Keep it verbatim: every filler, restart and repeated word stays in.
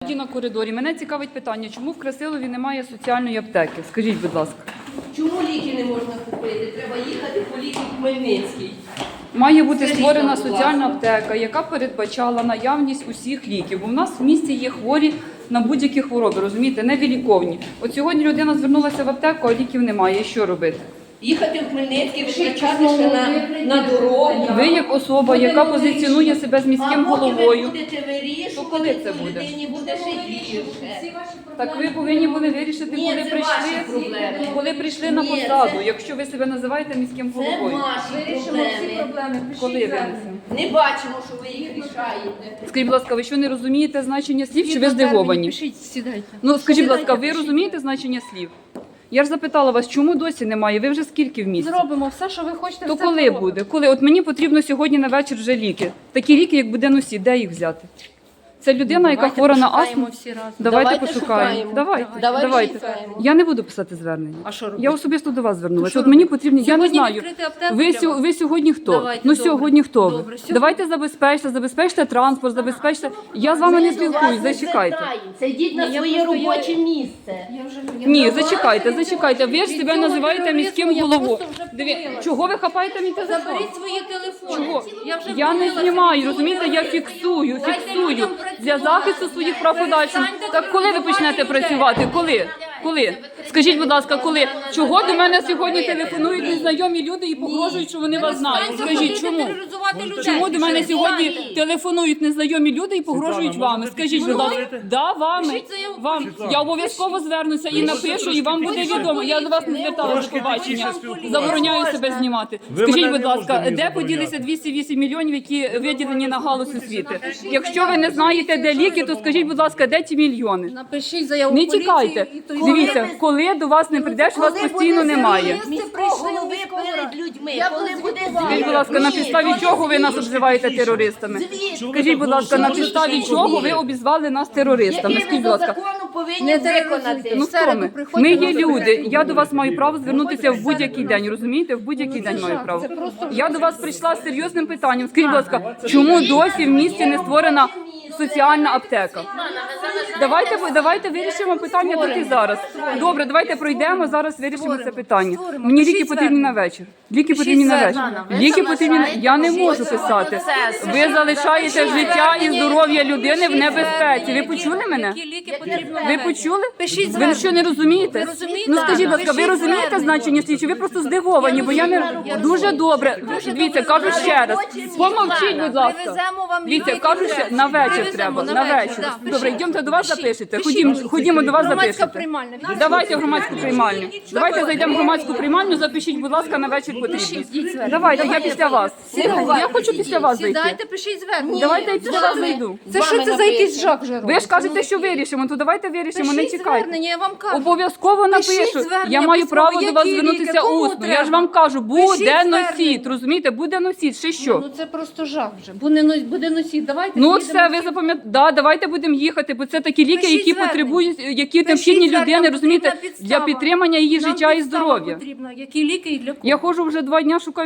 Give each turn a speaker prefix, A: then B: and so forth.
A: На коридорі. Мене цікавить питання, чому в Красилові немає соціальної аптеки? Скажіть, будь ласка.
B: Чому ліки не можна купити? Треба їхати по ліки в Хмельницький.
A: Має бути створена соціальна аптека, яка передбачала наявність усіх ліків. Бо в нас в місті є хворі на будь-які хвороби, розумієте, невиліковні. От сьогодні людина звернулася в аптеку, а ліків немає. І що робити?
B: Їхати в Хмельницький, витрачати ще на, на дорогу.
A: Ви як особа, яка позиціонує себе з міським головою,
B: а поки ви будете вирішувати,
A: то коли це буде?
B: людині буде ще гірше.
A: Так ви повинні були вирішити,
B: Ні,
A: коли
B: це
A: прийшли,
B: ваші проблеми.
A: коли прийшли на
B: Ні,
A: посаду,
B: це-
A: якщо ви себе називаєте міським
B: Це
A: головою.
B: ваші проблеми.
A: Коли винесемо?
B: Не бачимо, що ви їх рішаєте.
A: Скажіть, будь ласка, ви що не розумієте значення слів, чи ви здивовані?
C: Сідайте.
A: Ну, скажіть, будь ласка, ви розумієте значення слів? Я ж запитала вас, чому досі немає? Ви вже скільки в місті?
C: Зробимо все, що ви хочете.
A: То
C: все
A: коли
C: зробимо.
A: буде? Коли? От мені потрібно сьогодні на вечір вже ліки. Такі ліки, як буде носі, де їх взяти? Це людина, яка
C: Давайте
A: хвора на
C: пошукаємо
A: астму.
C: всі разом.
A: Давайте,
B: Давайте
A: пошукаємо.
B: шукаємо.
A: Давайте.
B: Давайте
A: Давайте.
B: шукаємо.
A: Я не буду писати звернення.
C: А що робити?
A: Я особисто до вас
C: То
A: звернулася.
C: що
A: От мені
C: робити?
A: потрібно, я не
C: Сьогодні
A: знаю.
C: відкрити аптеку
A: Ви,
C: для
A: сьо-
C: вас?
A: ви сьогодні хто?
C: Давайте,
A: ну
C: добре.
A: сьогодні хто ви?
C: Добре, сьогодні-
A: Давайте забезпечте, забезпечте транспорт, забезпечте. Я з вами не
B: Ми до вас
A: спілкуюсь,
B: не
A: зачекайте.
B: звертаємося. Йдіть на
C: Ні, я
B: своє
C: просто- я-
B: робоче місце.
C: Я вже, я
A: Ні,
C: вже-
A: зачекайте, зачекайте. Ви ж
C: Від
A: себе
C: цього
A: називаєте
C: тероризму
A: міським
C: я
A: головою.
C: просто вже
A: Диві-
C: втомилась.
A: Чого ви хапаєте мій телефон?
C: Заберіть свої телефони.
A: Чого?
C: Я вже
A: Я не
C: втомилася
A: знімаю,
C: від цього
A: розумієте, я
C: тероризму.
A: фіксую,
C: Дайте
A: фіксую
C: людям
A: для
C: працювати.
A: захисту своїх прав подальшим.
C: Перестаньте
A: Так коли ви
C: тероризувати
A: почнете
C: людей.
A: працювати? Коли? Коли? Скажіть, будь ласка, коли? Чого до мене сьогодні телефонують незнайомі люди і погрожують, що вони вас знають?
C: Перестаньте
A: Скажіть,
C: ходити
A: чому?
C: тероризувати людей.
A: Чому до мене сьогодні
B: Ні.
A: телефонують незнайомі люди і погрожують вами? Скажіть, будь ласка, да, вами.
C: Пишіть заяву.
A: Вам я обов'язково звернуся і напишу, і вам буде відомо. Я до вас не зверталася до побачення. Забороняю себе знімати. Скажіть, будь ласка, де поділися двісті вісім мільйонів, які виділені на галузь освіти? Якщо ви не знаєте, де ліки, то скажіть, будь ласка, де ті мільйони?
C: Напишіть заяву
A: Не
C: в поліцію
A: тікайте.
C: і то й
A: Дивіться, коли до вас не прийдеш, вас постійно немає.
B: Міського голови перед людьми. Коли буде
A: Скажіть, будь ласка, на підставі чого ви нас обзиваєте терористами? Скажіть, будь ласка, на підставі чого ви обізвали нас терористами?
B: Який
A: Скажіть,
B: ви
A: будь
B: за
A: ласка.
B: закону повинні
C: Не
B: виконати?
C: тероризуйте.
A: Ну
C: В
A: хто
C: середу
A: ми?
C: приходьте,
A: Ми є
C: ми
A: люди.
C: заберемо.
A: Я до вас маю право звернутися в будь-який день, розумієте? В будь-який день маю право. Я до вас прийшла з серйозним питанням. Скажіть, будь ласка, чому досі в місті не створена соціальна аптека? Давайте, давайте вирішимо питання тут і зараз. Добре, давайте пройдемо, зараз вирішимо це питання. Мені ліки потрібні на вечір. Ліки потрібні на вечір. Ліки потрібні на... Я не можу писати. Ви залишаєте життя і здоров'я людини в небезпеці. Ви почули мене?
C: Які ліки потрібно
A: Ви
C: на
A: почули?
C: Пишіть
A: Ви
C: звернення.
A: що, не розумієте?
C: Ви розумієте?
A: Ну скажіть, будь ласка, ви
C: Пишіть
A: розумієте
C: звернення.
A: значення слідчі? Ви просто здивовані, бо я не дуже добре. Дивіться, кажу ще раз. Помовчіть, будь ласка.
C: Привеземо вам
A: Дивіться,
C: ліки
A: кажу ще на вечір
C: Привеземо
A: треба.
C: на
A: На
C: вечір,
A: вечір.
C: да.
A: Добре,
C: Пишіть.
A: йдемте до вас
C: Пишіть.
A: запишете.
C: Пишіть.
A: Ходімо, ходімо до вас
C: Громадська
A: запишете.
C: приймальня.
A: Давайте в громадську приймальню. Давайте зайдемо в громадську приймальню, запишіть, будь ласка, на вечір потрібно. Давайте, я після вас. Я хочу після вас зайти.
C: Сідайте, пишіть звернення.
A: Давайте я після вас зайду.
C: Це що це за якийсь жах вже робить?
A: Ви ж кажете, що вирішимо, то давайте вирішимо, не
C: Пишіть
A: чекайте.
C: звернення, я вам кажу.
A: Обов'язково
C: Пишіть
A: напишу.
C: звернення
A: Я маю
C: письмово,
A: право до вас
C: які
A: звернутися
C: ліки, кому
A: усно. Я ж
C: треба.
A: вам кажу, буде
C: Пишіть
A: носіт,
C: звернення.
A: розумієте, буде носіт, ще що?
C: Ну це просто жах вже. Буде, но- буде носіть. Давайте
A: Ну
C: з'їдемо
A: все, ви
C: всі.
A: запам'ятаєте. Да, давайте будемо їхати, бо це такі ліки,
C: Пишіть
A: які
C: звернення.
A: потребують, які
C: Пишіть
A: необхідні
C: звернення,
A: людини, розумієте,
C: потрібна
A: для
C: підстава.
A: підтримання її
C: Нам
A: життя і
C: підстава
A: здоров'я.
C: потрібна. Які ліки і для кого?
A: Я ходжу вже два дні, шукаю.